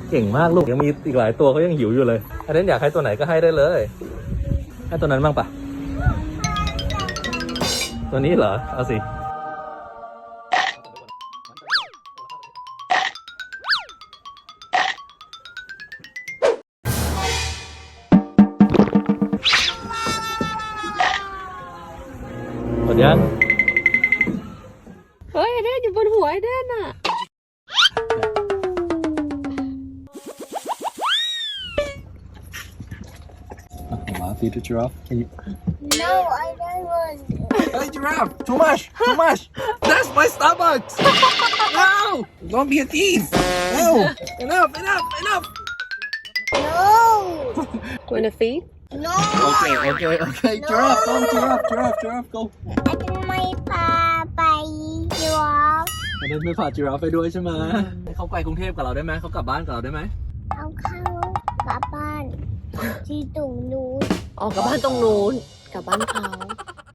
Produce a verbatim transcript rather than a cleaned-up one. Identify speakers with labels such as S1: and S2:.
S1: เก่งมากลูกยังมีอีกหลายตัวเขายังหิวอยู่เลยอันนั้นอยากให้ตัวไหนก็ให้ได้เลยให้ตัวนั้นบ้างปะตัวนี้เหรอเอาสิหมดยัง
S2: เฮ้ยไอเดนอยู่บนหัวไอเดนอ่ะ
S1: I'll feed the giraffe. Can you?
S3: No, I don't want.
S1: Hey, giraffe! Too much! Too much! That's my stomach! No! Don't be a thief! No! Enough! Enough! Enough!
S3: No,
S2: Wanna feed
S3: no.
S1: Okay, okay, okay. Giraffe, go! Giraffe, giraffe, giraffe, go!
S3: I don't want Papa you off.
S1: อันนั้นไม่พา giraffe ไปด้วยใช่ไหมเขาไปกรุงเทพกับเราได้ไหมเขากลับบ้านกับเราได้ไหม
S3: เอาเข้ากลับบ้านที่ตรงนู้น
S2: ออกกลับบ้านตรงนู้นกลับบ้านเขา